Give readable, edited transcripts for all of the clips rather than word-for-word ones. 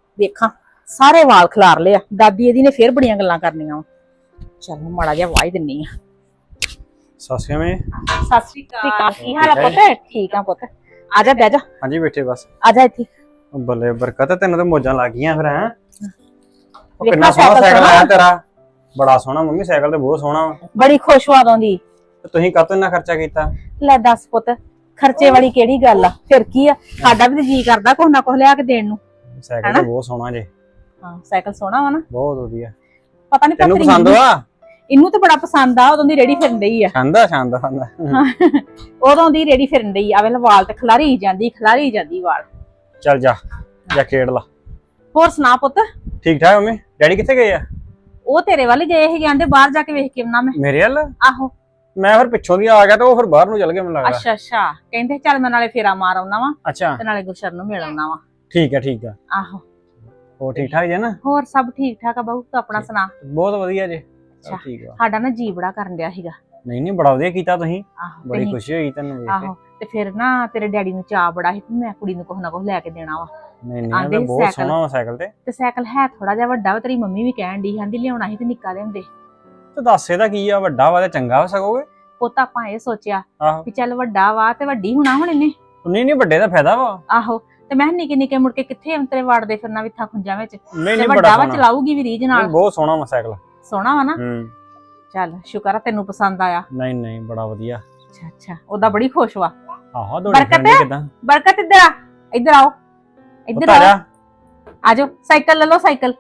ਵੇਖਾਂ ਸਾਰੇ ਵਾਲ ਖਿਲਾਰ ਲਿਆ। ਦਾਦੀ ਇਹਦੀ ਨੇ ਫੇਰ ਬੜੀਆਂ ਗੱਲਾਂ ਕਰਨੀਆਂ। ਚੱਲ ਮਾੜਾ ਜਿਹਾ ਵਾਹ ਹੀ ਦਿੰਨੀ ਆ। ਸਸਿਆ ਮੈਂ ਸਤਿ ਸ਼੍ਰੀ ਅਕਾਲ। ਕੀ ਹਾਲ ਆ ਪੁੱਤ? ਠੀਕ ਆ ਪੁੱਤ। ਆ ਜਾ ਬਹਿ ਜਾ। ਹਾਂਜੀ ਬੈਠੇ ਬਸ। ਆ ਜਾ ਇੱਥੇ। ਬੱਲੇ ਬਰਕਤ ਤੈਨੂੰ ਤੇ ਮੋਜਾਂ ਲੱਗ ਗਈਆਂ ਫਿਰ ਹੈ। ਵੇਖਾਂ ਕਿੰਨਾ ਸੋਹਣਾ ਸਾਈਕਲ ਸੋਹਣਾ। ਆਇਆ ਤੇਰਾ। ਬੜਾ ਸੋਹਣਾ ਮੰਮੀ, ਸਾਈਕਲ ਤੇ ਬਹੁਤ ਸੋਹਣਾ ਵਾ। ਬੜੀ ਖੁਸ਼ ਹੋਆ ਦੋਂਦੀ। ਤੇ ਤੁਸੀਂ ਕਾਹਤੋਂ ਇੰਨਾ ਖਰਚਾ ਕੀਤਾ? ਲੈ ਦੱਸ ਪੁੱਤ, ਖਰਚੇ ਵਾਲੀ ਕਿਹੜੀ ਗੱਲ ਆ? ਫਿਰ ਕੀ ਆ, ਸਾਡਾ ਵੀ ਜੀ ਕਰਦਾ ਕੁਛ ਨਾ ਕੁਛ ਲਿਆ ਕੇ ਦੇਣ ਨੂੰ। ਸਾਈਕਲ ਤੇ ਬਹੁਤ ਸੋਹਣਾ ਜੇ। ਹਾਂ ਸਾਈਕਲ ਸੋਹਣਾ ਵਾ ਨਾ, ਬਹੁਤ ਵਧੀਆ। ਪਤਾ ਨਹੀਂ ਤੈਨੂੰ ਪਸੰਦ ਆ? ਇਹਨੂੰ ਤੇ ਬੜਾ ਪਸੰਦ ਆ। ਉਦੋਂ ਦੀ ਰੇੜੀ ਫਿਰਨ ਡਈ ਆ। ਸ਼ਾਨਦਾਰ ਸ਼ਾਨਦਾਰ। ਉਦੋਂ ਦੀ ਰੇੜੀ ਫਿਰਨ ਡਈ ਆ। ਵੇਲੇ ਵਾਲ ਤੇ ਖਲਾਰੀ ਜਾਂਦੀ ਵਾਲ। ਚੱਲ ਜਾ ਜਾ ਖੇਡ ਲਾ। ਹੋਰ ਸੁਣਾ ਪੁੱਤ? ਠੀਕ ਠਾਕ ਮੰਮੀ। ਡੈਡੀ ਕਿੱਥੇ ਗਏ ਆ? ਉਹ ਤੇਰੇ ਵੱਲ ਗਏ ਸੀ, ਕਹਿੰਦੇ ਬਾਹਰ ਜਾ ਕੇ ਵੇਖ ਕੇ ਆਉਣਾ ਮੈਂ। ਮੇਰੇ ਵੱਲ? ਆਹੋ। ਮੈਂ ਫਿਰ ਪਿੱਛੋਂ ਦੀ ਆ ਗਿਆ ਤੇ ਉਹ ਫਿਰ ਬਾਹਰ ਨੂੰ ਚੱਲ ਗਿਆ ਮੈਨੂੰ ਲੱਗਦਾ। ਅੱਛਾ ਅੱਛਾ, ਕਹਿੰਦੇ ਚੱਲ ਮੈਂ ਨਾਲੇ ਫੇਰਾ ਮਾਰ ਆਉਣਾ ਵਾ ਅੱਛਾ ਤੇ ਨਾਲੇ ਗੁਰਸ਼ਰਨ ਨੂੰ ਮਿਲ ਆਉਣਾ ਵਾ। ਠੀਕ ਆ ਠੀਕ ਆ। ਆਹੋ। ਉਹ ਠੀਕ ਠਾਕ ਜੇ ਨਾ? ਹੋਰ ਸਭ ਠੀਕ ਠਾਕ ਆ ਬਾਊ, ਤੂੰ ਆਪਣਾ ਸੁਣਾ? ਬਹੁਤ ਵਧੀਆ ਜੇ। ਅੱਛਾ। ਠੀਕ ਆ। ਸਾਡਾ ਨਾ ਜੀ ਬੜਾ ਕਰਨ ਡਿਆ ਸੀਗਾ। ਨਹੀਂ ਨਹੀਂ, ਬੜਾ ਵਧੀਆ ਕੀਤਾ ਤੁਸੀਂ। ਆਹੋ ਬੜੀ ਤੇ ਖੁਸ਼ੀ ਹੋਈ ਤੈਨੂੰ ਵੇਖ ਕੇ। ਆਹੋ ਤੇ ਫਿਰ ਨਾ ਤੇਰੇ ਡੈਡੀ ਨੂੰ ਚਾਅ ਬੜਾ ਸੀ ਕਿ ਮੈਂ ਕੁੜੀ ਨੂੰ ਕੁਛ ਨਾ ਕੁਛ ਲੈ ਕੇ ਦੇਣਾ ਵਾ। ਨਹੀਂ ਨਹੀਂ, ਆਂਦੇ ਇਹ ਤਾਂ ਬਹੁਤ ਸਾਈਕਲ। ਸੋਹਣਾ ਵਾ ਸਾਈਕਲ ਤੇ ਸਾਈਕਲ ਹੈ ਥੋੜਾ ਜਿਹਾ ਵੱਡਾ ਵਾ, ਤੇਰੀ ਮੰਮੀ ਵੀ ਕਹਿਣ ਡਈ ਕਹਿੰਦੀ ਲਿਆਉਣਾ ਸੀ ਤੇ ਨਿੱਕਾ ਲਿਆਉਂਦੇ। ਤੇ ਦੱਸ ਇਹਦਾ ਕੀ ਆ, ਵੱਡਾ ਵਾ ਤੇ ਚੰਗਾ ਹੋ ਸਕੋਗੇ। ਪੁੱਤ ਆਪਾਂ ਇਹ ਸੋਚਿਆ ਆਹੋ। ਵੀ ਚੱਲ ਵੱਡਾ ਵਾ ਤੇ ਵੱਡੀ ਹੋਣਾ ਹੁਣ ਇਹਨੇ। ਨਹੀਂ ਨਹੀਂ, ਵੱਡੇ ਦਾ ਫਾਇਦਾ ਵਾ। ਆਹੋ ਤੇ ਮੈਂ ਨਿੱਕੇ ਨਿੱਕੇ ਮੁੜ ਕੇ ਕਿੱਥੇ ਅੰਤਰੇ ਵਾੜਦੇ ਫਿਰਨਾ ਵਿੱਥਾ ਖੁੰਜਾਂ ਵਿੱਚ। ਨਹੀਂ ਤੇ ਨਹੀਂ, ਵੱਡਾ ਬੜਾ ਵਾ ਸੋਹਣਾ। ਚਲਾਊਗੀ ਵੀ ਰੀਝ ਨਾਲ। ਬਹੁਤ ਸੋਹਣਾ ਵਾ ਸਾਈਕਲ। ਸੋਹਣਾ ਵਾ ਨਾ? ਚੱਲ ਸ਼ੁਕਰ ਆ ਤੈਨੂੰ ਪਸੰਦ ਆਇਆ। ਨਹੀਂ ਨਹੀਂ, ਬੜਾ ਵਧੀਆ। ਅੱਛਾ ਅੱਛਾ, ਉਹਦਾ ਬੜੀ ਖੁਸ਼ ਵਾ। ਆਹੋ ਦੌੜੀ ਬਰਕਤ ਫਿਰਨੀ ਕਿਦਾਂ? ਬਰਕਤ ਇੱਧਰ ਆ, ਇੱਧਰ ਆਓ, ਇੱਧਰ ਆ ਆਓ, ਜਾ। ਆਜੋ ਸਾਈਕਲ ਲੈ ਲਓ ਸਾਈਕਲ।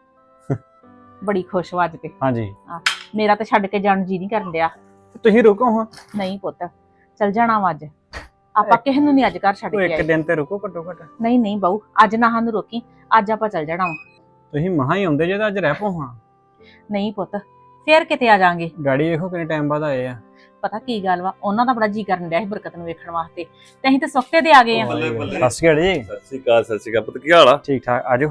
ਬੜੀ ਖੁਸ਼ ਵਾ ਅੱਜ ਤੇ। ਹਾਂਜੀ। ਮੇਰਾ ਤਾਂ ਛੱਡ ਕੇ ਜਾਣ ਜੀ ਨਹੀਂ ਕਰਨ ਡਿਆ। ਤੁਸੀਂ ਰੁਕੋ ਹਾਂ। ਨਹੀਂ ਪੁੱਤ, ਚੱਲ ਜਾਣਾ ਵਾ ਅੱਜ ਆਪਾਂ। ਕਿਸੇ ਨੂੰ ਨਹੀਂ ਅੱਜ ਘਰ ਛੱਡ ਉਹ ਕੇ ਇੱਕ ਆਏ। ਦਿਨ ਤੇ ਰੁਕੋ ਘੱਟੋ ਘੱਟ। ਨਹੀਂ ਨਹੀਂ ਬਾਊ, ਅੱਜ ਨਾ ਸਾਨੂੰ ਰੋਕੀ, ਅੱਜ ਆਪਾਂ ਚੱਲ ਜਾਣਾ ਵਾ। ਤੁਸੀਂ ਮਹਾ ਹੀ ਆਉਂਦੇ ਜੇ ਤਾਂ ਅੱਜ ਰਹਿ ਪੋ ਹਾਂ। ਨਹੀਂ ਪੁੱਤ, ਫੇਰ ਕਿਤੇ ਆ ਜਾਾਂਗੇ। ਗਾੜੀ ਵੇਖੋ ਕਿੰਨੇ ਟਾਈਮ ਬਾਅਦ ਆਏ ਆ। ਪਤਾ ਕੀ ਗੱਲ ਵਾ, ਉਹਨਾਂ ਦਾ ਬੜਾ ਜੀ ਕਰਨ ਡਿਆ ਸੀ ਬਰਕਤ ਨੂੰ ਵੇਖਣ ਵਾਸਤੇ ਤੇ ਅਸੀਂ ਤੇ ਸੁੱਤੇ ਤੇ ਆ ਗਏ ਆ। ਬੱਲੇ ਬੱਲੇ। ਸਤਿ ਸ਼੍ਰੀ ਅਕਾਲ ਜੀ। ਸਤਿ ਸ਼੍ਰੀ ਅਕਾਲ ਪੁੱਤ, ਕੀ ਹਾਲ ਆ? ਠੀਕ ਠਾਕ, ਆਜੋ।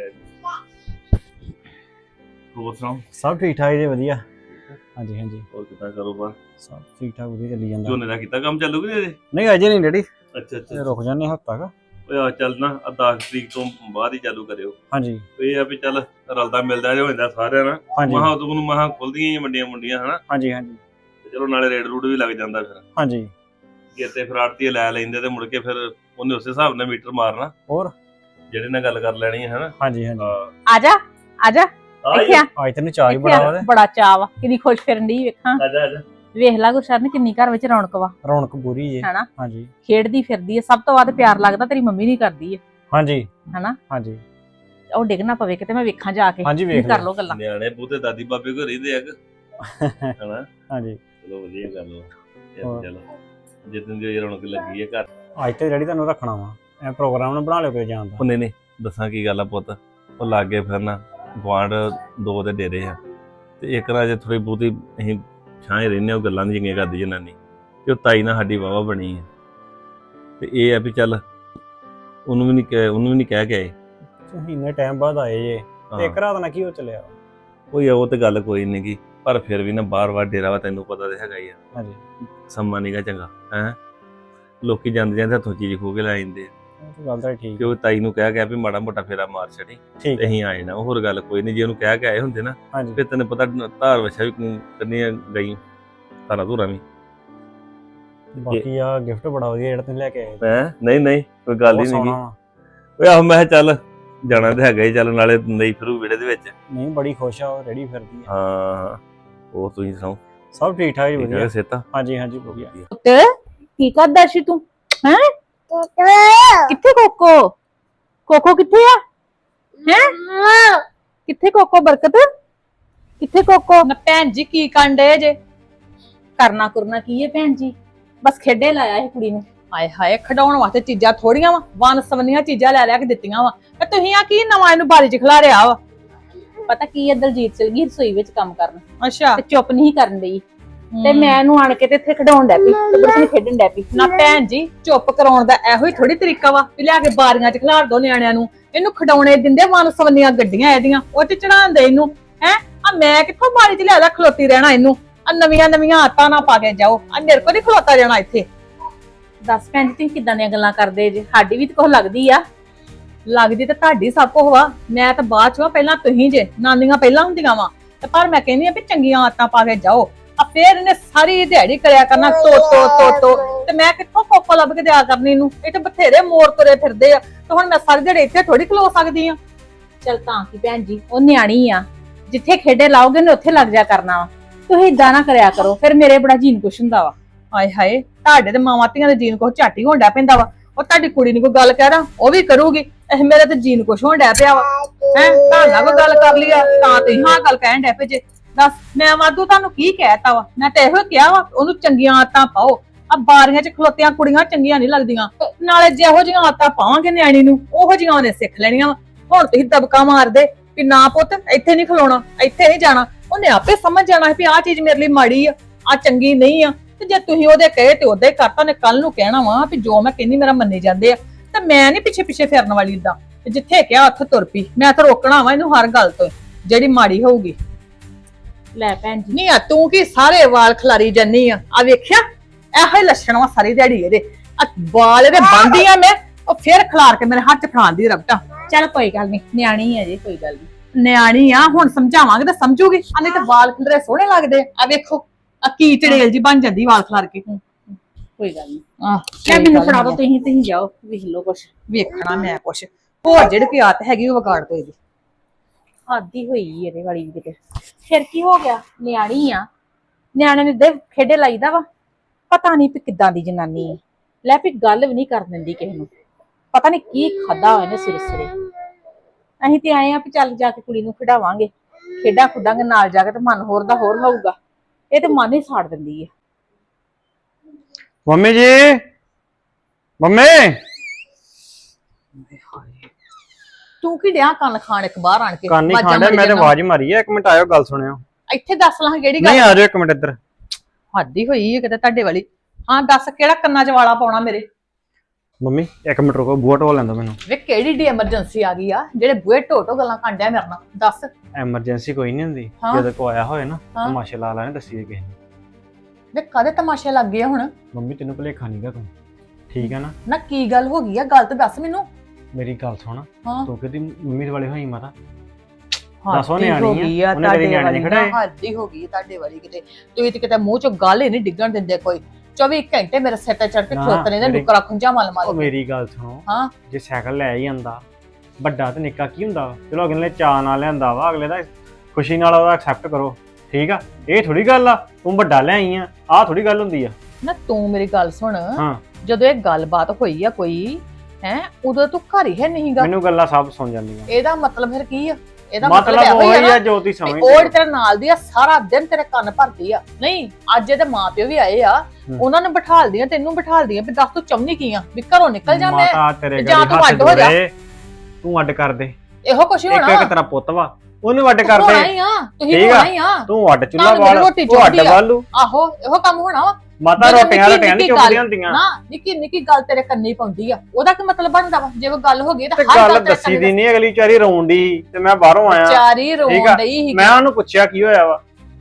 ਹੋਰ ਸੁਣਾਓ? ਸਭ ਠੀਕ ਠਾਕ ਜੀ, ਵਧੀਆ। ਹਾਂਜੀ ਹਾਂਜੀ, ਹੋਰ ਕਿੱਦਾਂ ਕਾਰੋਬਾਰ? ਸਭ ਠੀਕ ਠਾਕ ਵਧੀਆ ਚੱਲੀ ਜਾਂਦਾ। ਝੋਨੇ ਦਾ ਕੀਤਾ ਕੰਮ ਚਾਲੂ ਕਿ ਨਹੀਂ ਅਜੇ? ਨਹੀਂ ਅਜੇ ਨਹੀਂ ਡੈਡੀ, ਅੱਛਾ ਅੱਛਾ। ਰੁਕ ਜਾਂਦੇ ਹਫ਼ਤਾ ਕ। ਓਏ ਆ ਚੱਲ ਨਾ 10 ਤਰੀਕ ਤੋਂ ਬਾਅਦ ਹੀ ਚਾਲੂ ਕਰਿਓ। ਹਾਂਜੀ ਇਹ ਆ ਵੀ ਚੱਲ ਰਲਦਾ ਮਿਲਦਾ ਜੋ ਹੁੰਦਾ ਸਾਰਿਆਂ ਨਾਲ। ਹਾਂਜੀ ਮਹਾ ਉਦੋਂ ਨੂੰ ਮਹਾ ਖੁੱਲਦੀਆਂ ਹੀ ਮੰਡੀਆਂ ਹਨਾ। ਹਾਂਜੀ ਹਾਂਜੀ ਤੇ ਚਲੋ ਨਾਲੇ ਰੇਡ ਰੂਡ ਵੀ ਲੱਗ ਜਾਂਦਾ ਫਿਰ। ਹਾਂਜੀ। ਕਿਤੇ ਫਿਰ ਆੜਤੀ ਲੈ ਲੈਂਦੇ ਤੇ ਮੁੜ ਕੇ ਫਿਰ ਉਹਨੇ ਉਸੇ ਹਿਸਾਬ ਨਾਲ ਮੀਟਰ ਮਾਰਨਾ। ਹੋਰ ਜਿਹੜੇ ਨਾਲ ਗੱਲ ਕਰ ਲੈਣੀ ਹੈ ਹਨਾ। ਹਾਂਜੀ ਹਾਂਜੀ। ਆ ਜਾ ਆ ਜਾ, ਇੱਥੇ ਆ। ਅੱਜ ਤੈਨੂੰ ਚਾਹ ਹੀ ਬੜਾ ਵਾ। ਬੜਾ ਚਾਅ ਵਾ, ਕਿੰਨੀ ਖੁਸ਼ ਫਿਰਨ ਡਈ ਵੇਖਾਂ। ਆਜਾ ਆਜਾ। ਵੇਖ ਲਾ ਗੁਰਸ਼ਰਨ ਕਿੰਨੀ ਘਰ ਵਿੱਚ ਰੌਣਕ ਵਾ। ਰੌਣਕ ਪੂਰੀ ਜੇ। ਹਨਾ, ਹਾਂਜੀ ਖੇਡਦੀ ਫਿਰਦੀ ਹੈ। ਸਭ ਤੋਂ ਵੱਧ ਪਿਆਰ ਲੱਗਦਾ ਤੇਰੀ ਮੰਮੀ ਨਹੀਂ ਕਰਦੀ ਹੈ। ਹਾਂਜੀ ਹਨਾ, ਹਾਂਜੀ ਉਹ ਡਿੱਗ ਨਾ ਪਵੇ ਕਿਤੇ, ਮੈਂ ਵੇਖਾਂ ਜਾ ਕੇ। ਹਾਂਜੀ, ਵੇਖ ਕਰ ਲੋ ਗੱਲਾਂ। ਨਿਆਣੇ ਬੂਤੇ ਦਾਦੀ ਬਾਬੇ ਘਰ ਰਹਿੰਦੇ ਆ ਹਨਾ। ਹਾਂਜੀ। ਚਲੋ ਵਧੀਆ ਗੱਲ ਵਾ। ਹੋਰ। ਚਲੋ ਜਿੱਦਣ ਦੀ ਰੌਣਕ ਲੱਗੀ ਹੈ ਘਰ। ਅੱਜ ਤੇ ਡੈਡੀ ਤੁਹਾਨੂੰ ਰੱਖਣਾ ਵਾ, ਇਹ ਪ੍ਰੋਗਰਾਮ ਨਾ ਬਣਾ ਲਿਓ ਕੋਈ ਜਾਣ ਦਾ। ਉਹ ਨਹੀਂ ਦੱਸਾਂ ਕੀ ਗੱਲ ਆ ਪੁੱਤ, ਉਹ ਲਾਗੇ ਫਿਰਨਾ ਗੁਆਂਢ ਦੋ ਦੇ ਡੇਰੇ ਆ ਤੇ ਇੱਕ ਨਾਲ ਜੇ ਥੋੜੀ ਬਹੁਤੀ ਅਸੀਂ ਛਾਂ ਰਹਿੰਦੇ ਉਹ ਗੱਲਾਂ ਨਹੀਂ ਚੰਗੀਆਂ ਕਰਦੀ ਜਨਾਨੀ ਤੇ ਉਹ ਤਾਈ ਨਾਲ ਸਾਡੀ ਵਾਵਾ ਬਣੀ ਹੈ ਤੇ ਇਹ ਆ ਵੀ ਚੱਲ ਉਹਨੂੰ ਵੀ ਨਹੀਂ ਕਹਿ ਕੇ ਆਏ। ਤੁਸੀਂ ਇੰਨੇ ਟਾਈਮ ਬਾਅਦ ਆਏ ਜੇ ਤੇ ਇੱਕ ਰਾਤ ਨਾਲ ਕੀ ਹੋ ਚੱਲਿਆ? ਉਹ ਤੇ ਗੱਲ ਕੋਈ ਨਹੀਂ ਗੀ, ਪਰ ਫਿਰ ਵੀ ਨਾ ਬਾਰ-ਬਾਰ ਡੇਰਾ ਵਾ, ਤੈਨੂੰ ਪਤਾ ਤੇ ਹੈਗਾ ਹੀ ਆ। ਹਾਂਜੀ, ਸਮਾਂ ਨੀਗਾ ਚੰਗਾ ਹੈ। ਲੋਕੀ ਜਾਂਦੇ ਹੱਥੋਂ ਚੀਜ਼ ਖੋ ਕੇ ਲੈ ਜਾਂਦੇ ਆ। ਉਹ ਗੱਲ ਤਾਂ ਠੀਕ। ਕਿ ਉਹ ਤਾਈ ਨੂੰ ਕਹਿ ਵੀ ਮਾੜਾ ਮੋਟਾ ਫੇਰਾ ਮਾਰ ਛੜੀ ਠੀਕ ਤੇ ਅਸੀਂ ਆਏ ਨਾ। ਹੋਰ ਗੱਲ ਕੋਈ ਨਹੀਂ, ਜੇ ਉਹਨੂੰ ਕਹਿ ਕੇ ਆਏ ਹੁੰਦੇ ਨਾ ਹਾਂਜੀ। ਫਿਰ ਤੈਨੂੰ ਪਤਾ ਧਾਰ ਵਛਾ ਵੀ ਕੰਨੀਆਂ ਗਈ ਧਾਰਾ ਧੂਰਾ ਵੀ। ਬਾਕੀ ਆ ਗਿਫਟ ਬੜਾ ਵਧੀਆ ਜਿਹੜਾ ਤੁਸੀਂ ਲੈ ਕੇ ਆਏ। ਹੈ ਨਹੀਂ ਕੋਈ ਗੱਲ ਹੀ ਬਹੁਤ ਨਹੀਂ। ਸੋਹਣਾ ਵਾ। ਓਏ ਆਹੋ ਮੈਂ ਕਿਹਾ ਚੱਲ ਜਾਣਾ ਤੇ ਹੈਗਾ ਹੀ, ਚੱਲ ਨਾਲੇ ਨਹੀਂ ਫਿਰੂ ਵਿਹੜੇ ਦੇ ਵਿੱਚ। ਨਹੀਂ ਬੜੀ ਖੁਸ਼ ਆ, ਉਹ ਰੈਡੀ ਫਿਰਦੀ ਆ। ਹਾਂ ਹੋਰ ਤੁਸੀਂ ਸੁਣਾਓ? ਸਭ ਠੀਕ ਠਾਕ ਜੀ, ਠੀਕ ਵਧੀਆ। ਹੈ ਸੇਤਾ? ਹਾਂਜੀ ਹਾਂਜੀ ਵਧੀਆ। ਪੁੱਤ ਕੀ ਕਰਦਾ ਸੀ ਤੂੰ? ਹੈ ਕਿੱਥੇ ਕੋਕੋ? ਕੋਕੋ ਕਿੱਥੇ ਆ? ਹੈ ਕਿੱਥੇ ਕੋਕੋ? ਬਰਕਤ ਕਿੱਥੇ ਕੋਕੋ? ਨਾ ਭੈਣ ਜੀ ਕੀ ਕਾਂਡੇ ਜੇ? ਕਰਨਾ ਕਰਨਾ ਕੀ ਹੈ ਭੈਣ ਜੀ, ਬਸ ਖੇਡੇ ਲਾਇਆ ਇਹ ਕੁੜੀ ਨੂੰ। ਹਾਏ ਹਾਏ, ਖਡਾਉਣ ਵਾਸਤੇ ਚੀਜ਼ਾਂ ਥੋੜੀਆਂ ਵਾ, ਵਨ ਸਵੰਨੀਆਂ ਚੀਜ਼ਾਂ ਲੈ ਕੇ ਦਿੱਤੀਆਂ ਵਾ ਤੇ ਤੁਸੀਂ ਆ ਕੀ ਨਵਾਂ ਇਹਨੂੰ ਬਾਰੀ ਚ ਖਿਲਾਰਿਆ ਵਾ? ਪਤਾ ਕੀ ਹੈ, ਦਲਜੀਤ ਚਲ ਗਈ ਰਸੋਈ ਵਿੱਚ ਕੰਮ ਕਰਨ ਅੱਛਾ ਤੇ ਚੁੱਪ ਨਹੀਂ ਕਰਨ ਡਈ ਤੇ ਮੈਂ ਇਹਨੂੰ ਆਣ ਕੇ ਤੇ ਇੱਥੇ ਖਡਾਉਣ ਡੈ ਪਈ ਤੇ ਬਰਕਤ ਨੂੰ ਖੇਡਣ ਡੈ ਪਈ। ਨਾ ਭੈਣ ਜੀ, ਚੁੱਪ ਕਰਾਉਣ ਦਾ ਇਹੋ ਹੀ ਥੋੜੀ ਤਰੀਕਾ ਵਾ ਵੀ ਲਿਆ ਕੇ ਬਾਰੀਆਂ ਚ ਖਿਲਾਰ ਦੋ ਨਿਆਣਿਆਂ ਨੂੰ। ਇਹਨੂੰ ਖਡਾਉਣੇ ਦਿੰਦੇ ਵਨ ਸਵੰਨੀਆਂ ਗੱਡੀਆਂ ਇਹਦੀਆਂ, ਉਹ ਚ ਚੜਾਉਂਦੇ ਇਹਨੂੰ। ਹੈ ਆ ਮੈਂ ਕਿੱਥੋਂ ਬਾਰੀ ਚ ਲਿਆ ਖਲੋਤੀ ਰਹਿਣਾ ਇਹਨੂੰ? ਆ ਨਵੀਆਂ ਆਤਾਂ ਨਾ ਪਾ ਕੇ ਜਾਓ, ਆ ਮੇਰੇ ਕੋਲ ਨਹੀਂ ਖਲੋਤਾ ਜਾਣਾ ਇੱਥੇ। ਦੱਸ ਭੈਣ ਜੀ ਤੁਸੀਂ ਕਿੱਦਾਂ ਦੀਆਂ ਗੱਲਾਂ ਕਰਦੇ ਜੇ? ਸਾਡੀ ਵੀ ਤਾਂ ਕੁਛ ਲੱਗਦੀ ਆ। ਲੱਗਦੀ ਤੇ ਤੁਹਾਡੀ ਸਭ ਕੁਝ ਵਾ, ਮੈਂ ਤਾਂ ਬਾਅਦ ਚ ਵਾ, ਪਹਿਲਾਂ ਤੁਸੀਂ ਜੇ ਨਾਨੀਆਂ ਪਹਿਲਾਂ ਹੁੰਦੀਆਂ ਵਾ। ਤੇ ਪਰ ਮੈਂ ਕਹਿੰਦੀ ਆ ਵੀ ਚੰਗੀਆਂ ਆਦਤਾਂ ਪਾ ਕੇ ਜਾਓ। ਆ ਫੇਰ ਇਹਨੇ ਸਾਰੀ ਦਿਹਾੜੀ ਕਰਿਆ ਕਰਨਾ ਟੋ ਤੇ ਮੈਂ ਕਿੱਥੋਂ ਕੋਕੋ ਲੱਭ ਕੇ ਦਿਆ ਕਰਨੀ ਇਹਨੂੰ। ਇਹ ਤੇ ਬਥੇਰੇ ਮੋਰ ਤੁਰੇ ਫਿਰਦੇ ਆ, ਤੇ ਹੁਣ ਮੈਂ ਸਾਰੀ ਦਿਹਾੜੀ ਇੱਥੇ ਥੋੜੀ ਖਲੋ ਸਕਦੀ ਆ। ਚਲ ਤਾਂ ਕੀ ਭੈਣ ਜੀ, ਉਹ ਨਿਆਣੀ ਆ, ਜਿੱਥੇ ਖੇਡੇ ਲਾਓਗੇ ਨੇ ਉੱਥੇ ਲੱਗ ਜਾ ਕਰਨਾ ਵਾ। ਤੁਸੀਂ ਇਦਾਂ ਨਾ ਕਰਿਆ ਕਰੋ, ਫਿਰ ਮੇਰੇ ਬੜਾ ਜੀਨ ਕੁਛ ਹੁੰਦਾ ਵਾ। ਹਾਏ ਹਾਏ, ਤੁਹਾਡੇ ਤੇ ਮਾਵਾਂ ਧੀਆਂ ਦੇ ਜੀਨ ਕੁਛ ਝਾਟੀ ਹੋਣ ਡਿਆ ਪੈਂਦਾ ਵਾ। ਉਹ ਤੁਹਾਡੀ ਕੁੜੀ ਨੂੰ ਕੋਈ ਗੱਲ ਕਹਿ ਉਹ ਵੀ ਕਰੂਗੀ, ਇਹ ਮੇਰੇ ਤੇ ਜੀਨ ਕੁਛ ਹੋਣ ਡਿਆ ਪਿਆ ਵਾ। ਹੈ ਤੁਹਾਡਾ ਕੋਈ ਗੱਲ ਕਰ ਲਈ ਆ ਤਾਂ ਤੁਸੀਂ ਹਾਂ ਗੱਲ ਕਹਿਣ ਡਿਆ ਪਏ ਜੇ। ਦੱਸ ਮੈਂ ਵਾਧੂ ਤੁਹਾਨੂੰ ਕੀ ਕਹਿਤਾ ਵਾ? ਮੈਂ ਤਾਂ ਇਹੋ ਕਿਹਾ ਵਾ ਉਹਨੂੰ ਚੰਗੀਆਂ ਆਦਤਾਂ ਪਾਓ। ਆ ਬਾਰੀਆਂ 'ਚ ਖਲੋਤੀਆਂ ਕੁੜੀਆਂ ਚੰਗੀਆਂ ਨਹੀਂ ਲੱਗਦੀਆਂ, ਨਾਲੇ ਜਿਹੋ ਜਿਹੀਆਂ ਆਦਤਾਂ ਪਾਵਾਂਗੇ ਨਿਆਣੀ ਨੂੰ ਉਹੋ ਜਿਹੀਆਂ ਉਹਨੇ ਸਿੱਖ ਲੈਣੀਆਂ ਵਾ। ਹੁਣ ਤੁਸੀਂ ਦਬਕਾ ਮਾਰਦੇ ਵੀ ਨਾ ਪੁੱਤ ਇੱਥੇ ਨਹੀਂ ਖਲੋਣਾ, ਇੱਥੇ ਨਹੀਂ ਜਾਣਾ, ਉਹਨੇ ਆਪੇ ਸਮਝ ਜਾਣਾ ਵੀ ਆਹ ਚੀਜ਼ ਮੇਰੇ ਲਈ ਮਾੜੀ ਆ ਚੰਗੀ ਨਹੀਂ ਆ। ਤੇ ਜੇ ਤੁਸੀਂ ਉਹਦੇ ਕਹੇ ਤੇ ਉਹਦੇ ਕਰਤਾ, ਨੇ ਕੱਲ ਨੂੰ ਕਹਿਣਾ ਵਾ ਵੀ ਜੋ ਮੈਂ ਕਹਿੰਦੀ ਮੇਰਾ ਮੰਨੇ ਜਾਂਦੇ ਆ। ਤੇ ਮੈਂ ਨਹੀਂ ਪਿੱਛੇ ਪਿੱਛੇ ਫਿਰਨ ਵਾਲੀ ਇਦਾਂ, ਜਿੱਥੇ ਕਿਹਾ ਉੱਥੇ ਤੁਰ ਪਈ। ਮੈਂ ਤਾਂ ਰੋਕਣਾ ਵਾ ਇਹਨੂੰ ਹਰ ਗੱਲ ਤੋਂ ਜਿਹੜੀ ਮਾੜੀ ਹੋਊਗੀ। ਲੈ ਭੈਣ ਜੀ, ਨਹੀਂ ਆ ਤੂੰ ਕੀ ਸਾਰੇ ਵਾਲ ਖਲਾਰੀ ਜੰਨੀ ਆ ਵੇਖਿਆ ਇਹੋ ਹੀ ਲੱਛਣ ਵਾ ਸਾਰੀ ਦਿਹਾੜੀ ਇਹਦੇ। ਆ ਵਾਲ ਇਹਦੇ ਬੰਦੀ ਆ ਮੈਂ, ਉਹ ਫੇਰ ਖਲਾਰ ਕੇ ਮੇਰੇ ਹੱਥ 'ਚ ਫੜਾਉਂਦੀ ਰਬਟਾ। ਚਲ ਕੋਈ ਗੱਲ ਨਹੀਂ, ਨਿਆਣੀ ਹੈ ਜੀ, ਕੋਈ ਗੱਲ ਨਹੀਂ। ਨਿਆਣੀ ਆ, ਹੁਣ ਸਮਝਾਵਾਂਗੇ ਤਾਂ ਸਮਝੂਗੀ। ਆ ਨਹੀਂ ਤੇ ਵਾਲ ਖਿਲਰੇ ਸੋਹਣੇ ਲੱਗਦੇ ਆ ਵੇਖੋ, ਆ ਕੀ ਚੜੇਲ ਜੀ ਬਣ ਜਾਂਦੀ ਵਾਲ ਖਲਾਰ ਕੇ। ਕੋਈ ਗੱਲ ਨਹੀਂ, ਆਹ ਲੈ ਮੈਨੂੰ ਫੜਾ ਦੋ, ਤੁਸੀਂ ਜਾਓ ਵੇਖ ਲਓ ਕੁਛ। ਵੇਖਣਾ ਮੈਂ ਕੁਛ ਹੋਰ ਜਿਹੜੀ ਕੀ ਆਦਤ ਹੈਗੀ ਉਹ ਵਿਗਾੜ ਦੋ ਇਹਦੀ। ਆਦੀ ਹੋਈ ਇਹਦੇ ਵਾਲੀ ਵੀ ਕਿਤੇ। ਫਿਰ ਕੀ ਹੋ ਗਿਆ, ਨਿਆਣੀ ਆ, ਨਿਆਣੇ ਨੇ ਦੇ ਖੇਡੇ ਲਾਈਦਾ ਵਾ। ਪਤਾ ਨਹੀਂ ਵੀ ਕਿੱਦਾਂ ਦੀ ਜਨਾਨੀ ਹੈ, ਲੈ ਵੀ ਗੱਲ ਵੀ ਨਹੀਂ ਕਰ ਦਿੰਦੀ ਕਿਸੇ ਨੂੰ। ਪਤਾ ਨਹੀਂ ਕੀ ਖਾਦਾ ਹੋਇਆ ਨੇ ਸਿਰੇ ਸਿਰੇ। ਅਸੀਂ ਤੇ ਆਏ ਆ ਵੀ ਚੱਲ ਜਾ ਕੇ ਕੁੜੀ ਨੂੰ ਖਿਡਾਵਾਂਗੇ, ਖੇਡਾਂ ਖੁੱਡਾਂਗੇ ਨਾਲ ਜਾ ਕੇ, ਤੇ ਮਨ ਹੋਰ ਦਾ ਹੋਰ ਹੋਊਗਾ। ਇਹ ਤੇ ਮਨ ਹੀ ਸਾੜ ਦਿੰਦੀ ਹੈ। ਮੰਮੀ ਜੀ, ਮੰਮੀ ਤੂੰ ਕੀ ਡਿਆ ਕੰਨ ਖਾਣ ਇੱਕ ਬਾਹਰ ਆਣ ਕੇ? ਕਾਨੀ ਆਵਾਜ਼ਾਂ ਖਾਂਦਾ, ਮਾਰੀ ਮੈਂ ਤੇ ਜਾਂਦਾ। ਆਵਾਜ਼ ਮਾਰੀ ਆ। 1 ਮਿੰਟ ਆਇਓ, ਗੱਲ ਸੁਣਿਓ। ਇੱਥੇ ਦੱਸ ਲਾਂ ਕਿਹੜੀ ਨਹੀਂ ਗੱਲ? ਆ ਜਾਓ 1 ਮਿੰਟ ਇੱਧਰ। ਹੱਦੀ ਹੋਈ ਹੈ ਕਿਤੇ ਤੁਹਾਡੇ ਵਾਲੀ। ਹਾਂ ਦੱਸ ਕਿਹੜਾ ਕੰਨਾਂ 'ਚ ਵਾਲਾ ਪਾਉਣਾ ਮੇਰੇ? ਮੰਮੀ 1 ਮਿੰਟ ਰੁਕੋ, ਬੂਹਾ ਢੋ ਲੈਂਦਾ ਮੈਨੂੰ। ਵੇ ਕਿਹੜੀ ਡੀ ਐਮਰਜੈਂਸੀ ਆ ਗਈ ਆ ਜਿਹੜੇ ਬੂਹੇ ਢੋਟੋ ਗੱਲਾਂ ਕਾਂਡਿਆ ਮੇਰੇ ਨਾਲ? ਦੱਸ। ਐਮਰਜੈਂਸੀ ਕੋਈ ਨਹੀਂ ਹੁੰਦੀ, ਹਾਂ। ਜਦੋਂ ਕੋ ਆਇਆ ਹੋਏ ਨਾ ਹਾਂ। ਤਮਾਸ਼ੇ ਲਾ ਲੈਣੇ, ਦੱਸੀਏ ਕਿਸੇ ਨੂੰ। ਵੇ ਕਾਹਦੇ ਤਮਾਸ਼ੇ ਲੱਗ ਗਏ ਆ ਹੁਣ? ਮੰਮੀ ਤੈਨੂੰ ਭੁਲੇਖਾ ਨਹੀਂਗਾ ਤੂੰ, ਠੀਕ ਹੈ ਨਾ? ਨਾ ਕੀ ਗੱਲ ਹੋ ਗਈ ਆ? ਗੱਲ ਤੇ ਦੱਸ ਮੈਨੂੰ। ਮੇਰੀ ਗੱਲ ਸੁਣ, ਹਾਂ ਤੂੰ ਕਿਤੇ ਮੰਮੀ ਦੇ ਵਾਲੇ ਹੋਈ ਮਾਤਾ। ਦੱਸੋ ਉਹਨੇ ਆਣੀ ਹੋ ਗਈ ਆ ਉਹਨੇ ਕਦੀ ਤੁਹਾਡੇ ਨਿਆਣੇ ਵਾਲੀ ਨੀ ਨਾ, ਖੜਾਏ। ਹੱਦੀ ਹੋ ਗਈ ਤੁਹਾਡੇ ਵਾਲੀ ਕਿਤੇ। ਤੁਸੀਂ ਤੇ ਕਿਤੇ ਮੂੰਹ 'ਚੋਂ ਗੱਲ ਹੀ ਨਹੀਂ ਡਿੱਗਣ ਦਿੰਦੇ ਕੋਈ। 24 ਘੰਟੇ ਮੇਰੇ ਸਿਰ ਤੇ ਚੜ ਕੇ ਨਾ, ਖਲੋਤੇ ਨੇ ਮੇਰੀ- ਨੁਕਰਾ ਖੁੰਝਾ ਮਲ ਉਹ ਮਾਰ। ਮੇਰੀ ਗੱਲ ਸੁਣੋ, ਹਾਂ। ਜੇ ਸਾਈਕਲ ਲੈ ਹੀ ਆਂਦਾ, ਵੱਡਾ ਤੇ ਨਿੱਕਾ ਕੀ ਹੁੰਦਾ ਵਾ? ਚਲੋ ਅਗਲੇ ਨੇ ਚਾਅ ਨਾਲ ਲਿਆਂਦਾ ਵਾ, ਅਗਲੇ ਦਾ ਖੁਸ਼ੀ ਨਾਲ ਉਹਦਾ ਐਕਸੈਪਟ ਕਰੋ, ਠੀਕ ਆ? ਇਹ ਥੋੜੀ ਗੱਲ ਆ ਤੂੰ ਵੱਡਾ ਲੈ ਆਈ ਆ, ਆਹ ਥੋੜੀ ਗੱਲ ਹੁੰਦੀ ਆ। ਨਾ ਤੂੰ ਮੇਰੀ ਗੱਲ ਸੁਣ, ਹਾਂ। ਜਦੋਂ ਇਹ ਗੱਲਬਾਤ ਹੋਈ ਆ ਕੋਈ ਹੈ, ਉਦੋਂ ਤੂੰ ਘਰ ਹੀ ਹੈ ਨਹੀਂਗਾ। ਮੈਨੂੰ ਗੱਲਾਂ ਸਭ ਸੁਣ ਜਾਂਦੀਆਂ। ਇਹਦਾ ਮਤਲਬ ਫਿਰ ਕੀ ਆ? ਇਹਦਾ ਮਤਲਬ ਇਹੋ ਉਹ ਹੀ ਹੀ ਆ ਆ ਜੋ ਤੁਸੀਂ ਵੀ ਸਮਝਦੇ ਉਹ ਤੇਰੇ ਨਾਲ ਦੀ ਆ, ਸਾਰਾ ਦਿਨ ਤੇਰੇ ਕੰਨ ਭਰਦੀ ਆ। ਨਹੀਂ ਅੱਜ ਇਹਦੇ ਮਾਪਿਓ ਵੀ ਆਏ ਆ, ਉਹਨਾਂ ਨੂੰ ਬਿਠਾਲਦੀਆਂ, ਤੈਨੂੰ ਬਿਠਾਲਦੀਆਂ ਵੀ ਦੱਸ ਤੂੰ ਚਾਹੁੰਦੀ ਕੀ ਆ? ਵੀ ਘਰੋਂ ਨਿਕਲ ਜਾ ਮੈਂ, ਮਾਤਾ ਤੇਰੇ ਜਾਂ ਗਾੜੀ ਤੂੰ ਹੱਥ ਅੱਡ ਹੋ ਜਾ। ਜੋੜੇ, ਤੂੰ ਅੱਡ ਕਰ ਦੇ। ਇਹੋ ਕੁਛ ਹੀ ਇੱਕ ਹੋਣਾ। ਇੱਕ ਤੇਰਾ ਪੁੱਤ ਵਾ, ਉਹਨੂੰ ਅੱਡ ਕਰ ਹੋਣਾ ਦੇ। ਹੀ ਆ, ਤੁਸੀਂ ਠੀਕ ਆ। ਹੋਣਾ ਹੀ ਆ। ਤੂੰ ਅੱਡ ਚੁੱਲਾ ਤੁਹਾਨੂੰ ਵਾਲ, ਰੋਟੀ ਉਹ ਅੱਡ ਚਾਹੀਦੀ ਆ। ਵਾਲੂ। ਆਹੋ ਇਹੋ ਕੰਮ ਹੋਣਾ ਵਾ। ਮਾਤਾ ਜਦੋਂ ਰੋਟੀਆਂ ਨਿੱਕੀ ਨਹੀਂ ਨਿੱਕੀ ਚੁੱਕਦੀਆਂ ਹੁੰਦੀਆਂ। ਨਾ ਨਿੱਕੀ ਨਿੱਕੀ ਗੱਲ ਤੇਰੇ ਕੰਨੀ ਪਾਉਂਦੀ ਆ, ਉਹਦਾ ਕੀ ਮਤਲਬ ਬਣਦਾ ਵਾ? ਜੇ ਕੋਈ ਗੱਲ ਹੋ ਗਈ ਤਾਂ ਤੇ ਹਰ ਗੱਲ ਗੱਲ ਤੇਰੇ ਦੱਸੀ ਦੀ ਨਹੀਂ, ਅਗਲੀ ਵਿਚਾਰੀ ਰੋਣ ਦੀ ਤੇ ਮੈਂ ਬਾਹਰੋਂ ਆਇਆ। ਚਾਰੀ ਰੋਣ ਠੀਕ ਆ। ਡਈ ਸੀ। ਮੈਂ ਉਹਨੂੰ ਪੁੱਛਿਆ ਕੀ ਹੋਇਆ ਵਾ,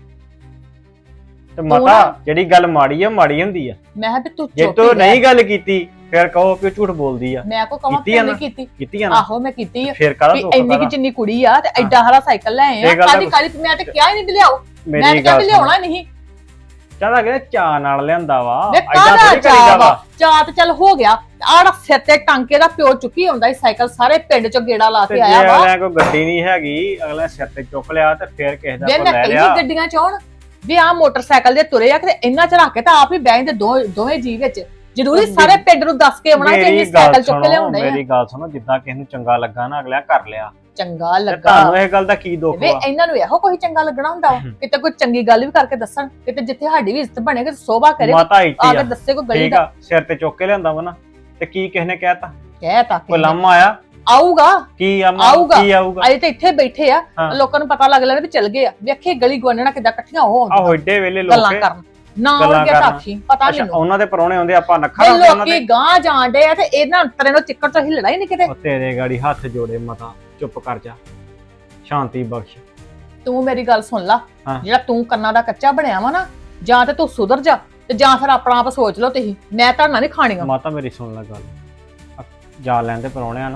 ਤੇ ਮਾਤਾ ਨਾ- ਜਿਹੜੀ ਗੱਲ ਮਾੜੀ ਆ ਮਾੜੀ ਹੁੰਦੀ ਆ। ਮੈਂ ਕਿਹਾ ਵੀ ਤੂੰ ਜੇ ਚੁੱਪ ਤੂੰ ਹੀ ਰਹਿ। ਨਹੀਂ ਗੱਲ ਕੀਤੀ ਫਿਰ ਕਹੋ ਕਿ ਉਹ ਝੂਠ ਬੋਲਦੀ ਆ। ਮੈਂ ਕੋ ਕਵਾਂ ਕੀਤੀ ਆ ਕਿ ਨਾ? ਨਹੀਂ ਕੀਤੀ? ਕੀਤੀ ਆ ਨਾ? ਆਹੋ ਮੈਂ ਕੀਤੀ ਆ। ਫਿਰ ਕਾਹਦਾ ਵੀ ਦੁੱਖ ਇੰਨੀ ਕਿ ਕਾਹਦਾ? ਜਿੰਨੀ ਕੁੜੀ ਆ ਤੇ ਐਡਾ ਹਰਾ ਸਾਈਕਲ ਲੈ ਆਏ ਆ, ਇਹ ਗੱਲ ਤਾਂ ਕਾਦੀ ਕਾਦੀ ਮੈਂ ਤੇ ਕਿਹਾ ਹੀ ਨਹੀਂ ਵੀ ਲਿਆਓ। ਮੈਂ ਮੇਰੀ ਤੇ ਕਿਹਾ ਗੱਲ ਵੀ ਲਿਆਉਣਾ ਨਹੀਂ। ਚਾਹਦਾ ਕਿ ਚਾਹ ਨਾਲ ਲਿਆਂਦਾ ਵਾ, ਵੇ ਐਦਾਂ ਕਾਹਦਾ ਥੋੜੀ ਕਰੀਦਾ ਚਾਹ ਵਾ। ਵਾ? ਚਾਹ ਤੇ ਚੱਲ ਹੋ ਗਿਆ। ਆੜਾ ਸਿਰ ਤੇ ਟਾਂਕੇ ਦਾ ਪਿਓ ਚੁੱਕੀ ਆਉਂਦਾ ਸੀ ਸਾਈਕਲ, ਸਾਰੇ ਪਿੰਡ ਚੋਂ ਗੇੜਾ ਲਾ ਤੇ ਕੇ ਜੇ ਆਇਆ ਵਾ। ਅਗਲੇ ਕੋਈ ਗੱਡੀ ਨਹੀਂ ਹੈਗੀ, ਅਗਲੇ ਸਿਰ ਤੇ ਚੁੱਕ ਲਿਆ ਤੇ ਫਿਰ ਕਿਸੇ ਦਾ ਵੇ ਕੋ ਮੈਂ ਲੈ ਕਈ ਲਿਆ। ਗੱਡੀਆਂ ਚ ਆਉਣ ਵੀ ਆ ਮੋਟਰਸਾਈਕਲ ਦੇ ਤੁਰੇ ਆ, ਕਿਤੇ ਇੰਨਾ ਚ ਰੱਖ ਕੇ ਤਾਂ ਆਪ ਹੀ ਬੈਠ ਦੇ ਦੋਵੇਂ ਜੀ ਵਿੱਚ। ਜ਼ਰੂਰੀ ਸਾਰੇ ਪਿੰਡ ਨੂੰ ਦੱਸ ਕੇ ਆਉਣਾ ਕਿ ਮੇਰੀ ਇਹ ਗੱਲ ਸਾਈਕਲ ਚੁੱਕ ਕੇ ਸੁਣੋ, ਲਿਆਉਂਦੇ ਆ। ਮੇਰੀ ਗੱਲ ਸੁਣੋ, ਜਿੱਦਾਂ ਕਿਸੇ ਨੂੰ ਚੰਗਾ ਲੱਗਾ ਨਾ ਅਗਲਿਆਂ ਕਰ ਲਿਆ। ਚੰਗਾ ਤੇ ਲੱਗਾ ਤੁਹਾਨੂੰ ਇਹ ਗੱਲ ਦਾ ਕੀ ਦੁੱਖ ਵੇ ਵਾ? ਇਹਨਾਂ ਨੂੰ ਇਹੋ ਕੋਈ ਚੰਗਾ ਲੱਗਣਾ ਹੁੰਦਾ ਵਾ? ਕਿਤੇ ਕੋਈ ਚੰਗੀ ਗੱਲ ਵੀ ਕਰਕੇ ਦੱਸਣ, ਕਿਤੇ ਜਿੱਥੇ ਸਾਡੀ ਵੀ ਇੱਜ਼ਤ ਬਣੇ, ਕਿਤੇ ਸੋਭਾ ਕਰੇ, ਮਾਤਾ ਆ ਇੱਟੀ ਕੇ ਆ, ਦੱਸੇ ਕੋਈ ਗਲੀ ਠੀਕ ਦਾ। ਆ, ਸਿਰ ਤੇ ਚੁੱਕ ਕੇ ਲਿਆਂਦਾ ਵਾ ਨਾ, ਤੇ ਕੀ ਕਿਸੇ ਨੇ ਕਹਿਤਾ? ਕਹਿ ਤਾਂ ਕੋਈ ਲਾਮਾ ਆਇਆ? ਆਊਗਾ ਕੀ ਆਊਗਾ। ਕੀ ਆਊਗਾ? ਅਜੇ ਤੇ ਇੱਥੇ ਬੈਠੇ ਆ, ਹਾਂ। ਲੋਕਾਂ ਨੂੰ ਪਤਾ ਲੱਗ ਲੈਣਾ ਵੀ ਚੱਲ ਗਏ ਆ। ਵੇਖੇ ਗਲੀ ਗਵਾਨਣਾ ਕਿੱਦਾਂ ਇਕੱਠੀਆਂ ਹੋ ਆਹੋ ਆਉਂਦੀਆਂ ਏਡੇ ਵੇਲੇ ਗੱਲਾਂ ਲੋਕ ਕਰਨ ਨਾ ਗੱਲਾਂ ਆਉਣਗੇ ਕਰਨ। ਤਾਖੀ ਪਤਾ ਅੱਛਾ ਮੈਨੂੰ। ਉਹਨਾਂ ਦੇ ਪਰੌਣੇ ਆਉਂਦੇ, ਆਪਾਂ ਨੱਖਾ ਇਹ ਰੱਖਦੇ ਉਹਨਾਂ ਲੋਕੀ ਦੇ। ਗਾਂ ਜਾਣਦੇ ਆ ਤੇ ਇਹਨਾਂ ਅੰਤਰੇ ਨੂੰ ਚਿੱਕੜ ਤੋਂ ਹਿੱਲਣਾ ਹੀ ਨਹੀਂ ਕਿਤੇ। ਉਹ ਤੇਰੇ ਗਾੜੀ ਹੱਥ ਜੋੜੇ ਮਾਤਾ, ਚੁੱਪ ਕਰ ਜਾ, ਸ਼ਾਂਤੀ ਬਖਸ਼। ਤੂੰ ਮੇਰੀ ਗੱਲ ਸੁਣ ਲਾ, ਹਾਂ। ਜਿਹੜਾ ਤੂੰ ਕੰਨਾਂ ਦਾ ਕੱਚਾ ਬਣਿਆ ਵਾ ਨਾ, ਜਾਂ ਤੇ ਤੂੰ ਸੁਧਰ ਜਾ ਤੇ ਜਾਂ ਫਿਰ ਆਪਣਾ ਆਪ ਸੋਚ ਲਓ ਤੁਸੀਂ। ਮੈਂ ਤਾਂ ਨਹੀਂ ਖਾਣੀਆਂ। ਮਾਤਾ ਮੇਰੀ ਸੁਣ ਲੈ ਗੱਲ, ਜਾ ਲੈਣ ਦੇ ਪਰੌਣਿਆਂ ਨੂੰ,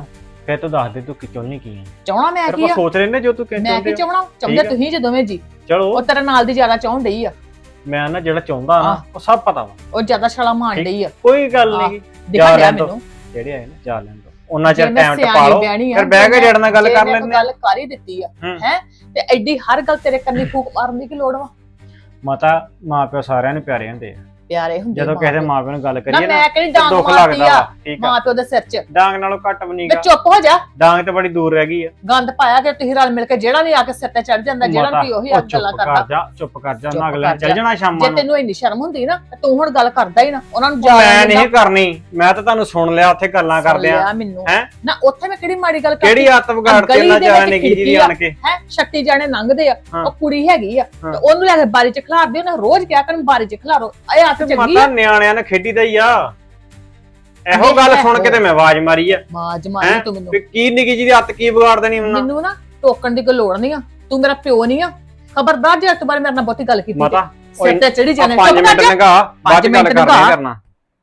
ਫਿਰ ਤੂੰ ਦੱਸ ਦੇ ਤੂੰ ਕਿ ਚਾਹੁੰਦੀ ਕੀ ਹੈ। ਚਾਹਣਾ ਮੈਂ ਫਿਰ ਕੀ ਆਪਾਂ ਆ ਸੋਚ ਲੈਨੇ ਜੋ ਤੂੰ ਮੈਂ ਕਹਿੰਦੇ ਕੀ ਹੋ। ਚਾਹਣਾ ਚਾਹੁੰਦੇ ਠੀਕ ਆ। ਤੁਸੀਂ ਜੇ ਦੋਵੇਂ ਜੀ ਚਲੋ ਉਹ ਤੇਰੇ ਨਾਲ ਦੀ ਜ਼ਿਆਦਾ ਚਾਹੁਣ ਡਈ ਆ ਮੈਂ ਨਾ ਜਿਹੜਾ ਚਾਹੁੰਦਾ ਨਾ ਆਹ। ਉਹ ਸਭ ਪਤਾ ਵਾ। ਉਹ ਜ਼ਿਆਦਾ ਛਾਲਾ ਮਾਰਨ ਠੀਕ। ਡਈ ਆ ਕੋਈ ਗੱਲ ਨਹੀਂ ਦਿਖਾ ਲਿਆ ਲੈਣ ਦਿਓ। ਮੈਨੂੰ ਜਿਹੜੇ ਆਏ ਨਾ ਜਾ ਲੈਣ ਦੋ ਉਹਨਾਂ ਜੇ ਚਿਰ ਮੈਂ ਟਾਈਮ ਸਿਆਣੀ ਟਪਾ ਲਓ ਬਿਆਣੀ ਆ, ਫਿਰ ਬਹਿ ਕੇ ਜੇ ਜੜ ਨਾਲ ਗੱਲ ਜੇ ਕਰ ਮੈਂ ਲੈਂਦੇ ਗੱਲ ਕਰ ਹੀ ਦਿੱਤੀ ਆ ਹੂੰ। ਹੈ ਤੇ ਐਡੀ ਹਰ ਗੱਲ ਤੇਰੇ ਕੰਨੀ ਫੂਕ ਮਾਰਨ ਦੀ ਕੀ ਲੋੜ ਵਾ ਮਾਤਾ ਮਾਂ ਪਿਓ ਸਾਰਿਆਂ ਨੂੰ ਪਿਆਰੇ ਹੁੰਦੇ ਆ ਪਿਆਰੇ ਹੁੰਦੇ ਜਦੋਂ ਕਿਸੇ ਦੇ ਮਾਂ ਪਿਓ ਨਾਲ ਗੱਲ ਨਾ ਕਰੀਏ ਨਾ ਮੈਂ ਕਿਹੜੀ ਤੇ ਡਾਂਗ ਦੁੱਖ ਮਾਰਦੀ ਲੱਗਦਾ ਆ ਵਾ ਠੀਕ ਆ ਮਾਂ ਪਿਓ ਦੇ ਸਿਰ 'ਚ ਡਾਂਗ ਨਾਲੋਂ ਘੱਟ ਵੀ ਵੇ ਨਹੀਂਗਾ ਚੁੱਪ ਹੋ ਜਾ ਡਾਂਗ ਤੇ ਬੜੀ ਦੂਰ ਰਹਿ ਗਈ ਆ ਗੰਦ ਪਾਇਆ ਕਿ ਤੁਸੀਂ ਰਲ ਮਿਲ ਕੇ ਜਿਹੜਾ ਵੀ ਆ ਕੇ ਸਿਰ ਤੇ ਚੜ ਜਾਂਦਾ ਜਿਹੜਾ ਮਾਤਾ, ਵੀ ਉਹੀ ਉਹ ਆ ਗੱਲਾਂ ਚੁੱਪ ਕਰ ਕਰਦਾ ਜਾ ਚੁੱਪ ਕਰ ਜਾ ਚੁੱਪ ਨਾ ਅਗਲੇ ਕਰ ਚੱਲ ਜਾ। ਜਾਣਾ ਸ਼ਾਮਾਂ ਜੇ ਨੂੰ ਤੈਨੂੰ ਇੰਨੀ ਸ਼ਰਮ ਹੁੰਦੀ ਨਾ ਤੇ ਤੂੰ ਹੁਣ ਗੱਲ ਕਰਦਾ ਹੀ ਨਾ ਉਹਨਾਂ ਨੂੰ ਉਹ ਜਾ ਮੈਂ ਨਹੀਂ ਕਰਨੀ ਮੈਂ ਤਾਂ ਤੁਹਾਨੂੰ ਸੁਣ ਲਿਆ ਉੱਥੇ ਗੱਲਾਂ ਕਰਦੇ ਆ ਮੈਨੂੰ ਹੈਂ? ਨਾ ਉੱਥੇ ਮੈਂ ਕਿਹੜੀ ਮਾੜੀ ਗੱਲ ਕਿਹੜੀ ਹੱਥ ਵਿਗਾੜਤੀ ਗਲੀ ਉਹਨਾਂ ਦੇ ਜਾਣੇ ਵਿੱਚ ਨਿੱਕੀ ਜੀ ਦੀ ਖਿੜਕੀ ਆ। ਆਣ ਕੇ ਹੈ ਛੱਤੀ ਜਾਣੇ ਲੰਘਦੇ ਆ ਹਾਂ। ਉਹ ਕੁੜੀ ਹੈਗੀ ਆ ਹਾਂ। ਤੇ ਉਹਨੂੰ ਲੈ ਕੇ ਬਾਰੀ 'ਚ ਖਿਲਾਰਦੇ ਉਹਨੇ ਰੋਜ਼ ਕਿਹਾ ਕਰਨ ਬਾਰੀ 'ਚ ਖਿਲਾਰੋ ਇਹ ਹੱਥ ਚੰਗੀ ਮਾਤਾ ਆ ਨਿਆਣਿਆਂ ਨੇ ਖੇਡੀ ਦਾ ਹੀ ਆ ਇਹੋ ਨਹੀਂ, ਗੱਲ ਇਹੋ। ਸੁਣ ਕੇ ਤੇ ਮੈਂ ਆਵਾਜ਼ ਮਾਰੀ ਆ ਮਾਜ ਮਾਰੀ ਹੈਂ? ਤੂੰ ਮੈਨੂੰ ਵੀ ਕੀ ਨਿੱਕੀ ਜੀ ਦੀ ਹੱਥ ਕੀ ਵਿਗਾੜ ਦੇਣੀ ਉਹਨਾਂ ਮੈਨੂੰ ਨਾ ਟੋਕਣ ਦੀ ਕੋਈ ਲੋੜ ਨਹੀਂ ਆ ਤੂੰ ਮੇਰਾ ਪਿਓ ਨਹੀਂ ਆ ਖਬਰਦਾਰ ਜੇ ਅੱਜ ਬਾਰੇ ਮੇਰੇ ਨਾਲ ਬਹੁਤੀ ਗੱਲ ਕੀਤੀ ਮਾਤਾ ਸਿਰ ਤੇ ਚੜੀ ਜਾਣੇ 5 ਚੁੱਪ ਕਰ ਮਿੰਟ ਜਾ। ਲਗਾ ਬਾਅਦ ਚ ਪੰਜ ਗੱਲ ਮਿੰਟ ਕਰਨੀ ਲਗਾ। ਕਰਨਾ